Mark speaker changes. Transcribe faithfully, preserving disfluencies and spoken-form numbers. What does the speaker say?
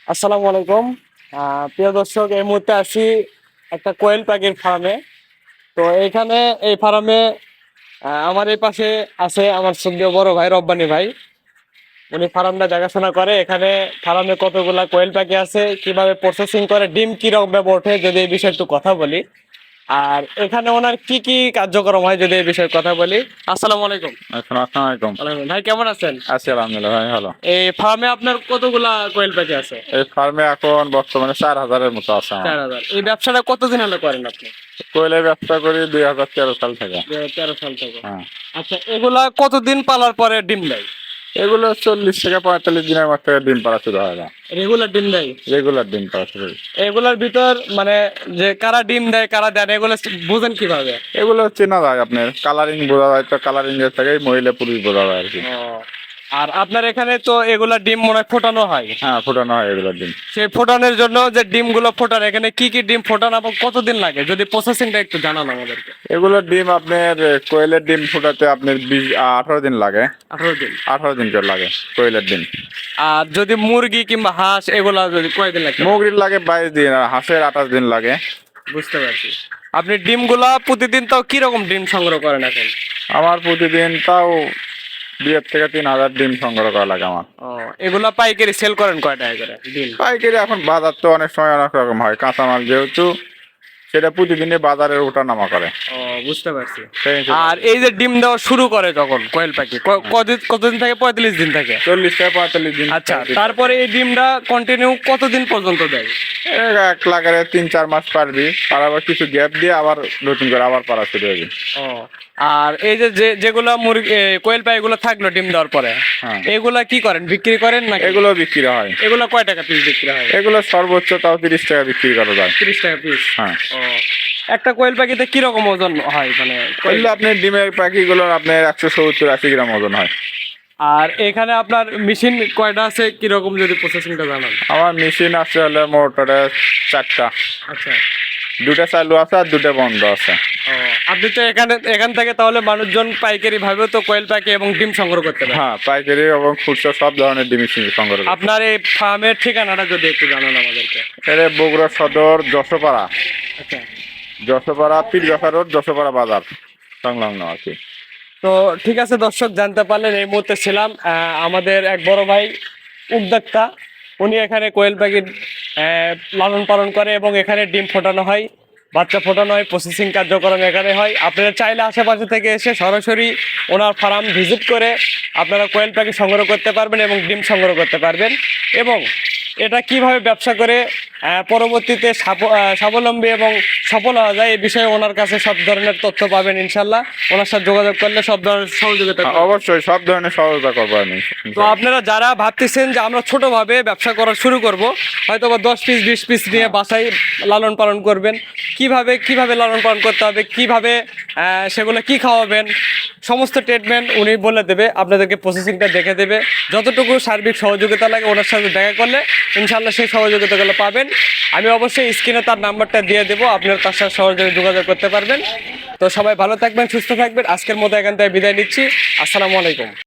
Speaker 1: আসসালামু আলাইকুম। আহ, প্রিয় দর্শক, এই মুহূর্তে আছি একটা কোয়েল পাখির ফার্মে। তো এখানে এই ফার্মে আমার এই পাশে আছে আমার সঙ্গে বড় ভাই রব্বানী ভাই। উনি ফার্মটা দেখাশোনা করে। এখানে ফার্মে কতগুলা কোয়েল পাখি আছে, কিভাবে প্রসেসিং করে, ডিম কিরকম ভাবে ওঠে, যদি এই বিষয়ে একটু কথা বলি। আর এখানে ওনার কি কি কার্যক্রম হয় যদি এই বিষয়ে কথা বলি। আসসালামু আলাইকুম।
Speaker 2: এখন আসসালামু আলাইকুম।
Speaker 1: আলাইকুম। ভাই কেমন আছেন?
Speaker 2: আছি আলহামদুলিল্লাহ ভাই, ভালো।
Speaker 1: এই ফার্মে আপনার কতগুলা কোয়েল পাখি আছে?
Speaker 2: এই ফার্মে এখন বর্তমানে চার হাজারের মতো আছে আমার।
Speaker 1: চার হাজার। এই ব্যবসাটা কতদিন হলো করেন আপনি?
Speaker 2: কোয়েলের ব্যবসা করি দুই হাজার তেরো সাল থেকে।
Speaker 1: দুই হাজার তেরো সাল থেকে।
Speaker 2: হ্যাঁ,
Speaker 1: আচ্ছা, এগুলা কতদিন পালার পরে ডিম দেয়?
Speaker 2: এগুলো চল্লিশ থেকে পঁয়তাল্লিশ দিনের মধ্যে থেকে ডিম পাড়া শুরু হয় না।
Speaker 1: রেগুলার ডিম দেয়?
Speaker 2: রেগুলার ডিম পাড়া শুরু হয়।
Speaker 1: এগুলার ভিতর মানে যে কারা ডিম দেয় কারা দেয় না, এগুলো বুঝেন কিভাবে?
Speaker 2: এগুলো চেনা যায়, আপনার কালারিং বোঝা যায়, তো কালারিং এর থেকে মহিলা পুরুষ বোঝা যায় আর কি।
Speaker 1: ও, আর আপনার এখানে তো এগুলা ডিম মনে হয় ফোটানো হয়।
Speaker 2: হ্যাঁ, ফোটানো হয় এগুলোর ডিম।
Speaker 1: সেই ফোটানোর জন্য যে ডিমগুলো ফোটান, এখানে কি কি ডিম ফোটানো এবং কতদিন লাগে, যদি প্রসেসিংটা একটু জানান আমাদেরকে।
Speaker 2: এগুলোর ডিম আপনার কোয়েলের ডিম ফোটাতে আপনার বিশ আঠারো দিন লাগে।
Speaker 1: আঠারো দিন?
Speaker 2: আঠারো দিন করে লাগে কোয়েলের ডিম।
Speaker 1: আর যদি মুরগি কিংবা হাঁস এগুলা যদি কয়দিন লাগে?
Speaker 2: মুরগির লাগে বাইশ দিন, আর হাঁসের আঠাশ দিন লাগে।
Speaker 1: বুঝতে পারছি। আপনি ডিমগুলা প্রতিদিন তাও কিরকম ডিম সংগ্রহ করেন এখন?
Speaker 2: আমার প্রতিদিন তাও দুই থেকে তিন হাজার ডিম সংগ্রহ করা লাগে আমার।
Speaker 1: ও, এগুলা পাইকারি সেল করেন কয় টাকা করে ডিম?
Speaker 2: পাইকারি এখন বাজার তো অনেক সময় অনেক রকম হয়, কাঁচামাল যেহেতু সেটা প্রতিদিনে বাজারে ওঠা নামা করে।
Speaker 1: ও, বুঝতে পারছি।
Speaker 2: সেই হিসেবে
Speaker 1: আর এই যে ডিম দেওয়া শুরু করে যখন কোয়েল পাখি, ক- কদিন কতদিন থেকে? পঁয়তাল্লিশ দিন থেকে।
Speaker 2: চল্লিশ থেকে পঁয়তাল্লিশ দিন।
Speaker 1: আচ্ছা, তারপরে এই ডিমটা কন্টিনিউ কতদিন পর্যন্ত দেয়?
Speaker 2: এক এক লাগারে তিন চার মাস পারবি, আর আবার কিছু গ্যাপ দিয়ে আবার নতুন করে আবার পারা শুরু হবে।
Speaker 1: ও, আর এই যে যে- যেগুলা মুরগি এ, কোয়েল পাখি এগুলো থাকলো ডিম দেওয়ার পরে,
Speaker 2: হ্যাঁ,
Speaker 1: এগুলা কি করেন, বিক্রি করেন নাকি?
Speaker 2: এগুলো বিক্রি হয়।
Speaker 1: এগুলা কয় টাকা পিস বিক্রি হয়?
Speaker 2: এগুলো সর্বোচ্চ তাও তিরিশ টাকা বিক্রি করা যায়।
Speaker 1: তিরিশ টাকা পিস?
Speaker 2: হ্যাঁ।
Speaker 1: ও, একটা কোয়েল পাখিতে কিরকম ওজন হয় মানে?
Speaker 2: এগুলো আপনার ডিমের পাখিগুলোর আপনার একশো সত্তর আশি গ্রাম ওজন হয়।
Speaker 1: আর এখানে আপনার মেশিন কয়টা আছে, কিরকম যদি প্রসেসিংটা জানান।
Speaker 2: আমার মেশিন আছে হলে মোটরে চারটা,
Speaker 1: আচ্ছা।
Speaker 2: দুটা চালু আছে আর দুটা বন্ধ আছে।
Speaker 1: ও, আপনি তো এখানে এখান থেকে তাহলে মানুষজন পাইকারি ভাবেও তো কোয়েল পাখি এবং ডিম সংগ্রহ করতে পারে।
Speaker 2: হ্যাঁ, পাইকারি এবং খুচরা সব ধরনের ডিম সংগ্রহ করে।
Speaker 1: আপনার এই ফার্মের ঠিকানাটা যদি একটু জানান আমাদেরকে।
Speaker 2: এটা বগুড়া সদর যশোপাড়া,
Speaker 1: আচ্ছা।
Speaker 2: যশোপাড়া পীরগাছা রোড, যশোপাড়া বাজার সংলগ্ন আর কি।
Speaker 1: তো ঠিক আছে দর্শক, জানতে পারলেন এই মুহূর্তে ছিলাম আহ, আমাদের এক বড় ভাই উদ্যোক্তা। উনি এখানে কোয়েল পাখির আহ, লালন পালন করে এবং এখানে ডিম ফোটানো হয়, বাচ্চা ফোটানো হয়, প্রসেসিং কার্যক্রম এখানে হয়। আপনারা চাইলে আশেপাশে থেকে এসে সরাসরি ওনার ফার্ম ভিজিট করে আপনারা কোয়েল পাখি সংগ্রহ করতে পারবেন এবং ডিম সংগ্রহ করতে পারবেন। এবং এটা কিভাবে ব্যবসা করে আহ, পরবর্তীতে সাফ- আহ, স্বাবলম্বী এবং সফল হওয়া যায়, এই বিষয়ে ওনার কাছে সব ধরনের তথ্য পাবেন ইনশাল্লাহ। ওনার সাথে যোগাযোগ করলে সব ধরনের সহযোগিতা
Speaker 2: হ্যাঁ,
Speaker 1: করবেন।
Speaker 2: অবশ্যই সব ধরনের সহযোগিতা করবো আমি।
Speaker 1: তো আপনারা যারা ভাবতেছেন যে আমরা ছোটভাবে ব্যবসা করা শুরু করব, হয়তো বা দশ পিস বিশ পিস নিয়ে বাসায় লালন পালন করবেন, কিভাবে কিভাবে লালন পালন করতে হবে, কিভাবে আহ, সেগুলো কি খাওয়াবেন, সমস্ত ট্রিটমেন্ট উনি বলে দেবে, আপনাদেরকে প্রসেসিংটা দেখে দেবে। যতটুকু সার্বিক সহযোগিতা লাগে ওনার সাথে দেখা করলে ইনশাল্লাহ সেই সহযোগিতাগুলো পাবেন। আমি অবশ্যই স্ক্রিনে তার নাম্বারটা দিয়ে দেবো, আপনার তার সাথে সহজে যোগাযোগ করতে পারবেন। তো সবাই ভালো থাকবেন, সুস্থ থাকবেন। আজকের মতো এখান থেকে বিদায় নিচ্ছি। আসসালামু আলাইকুম।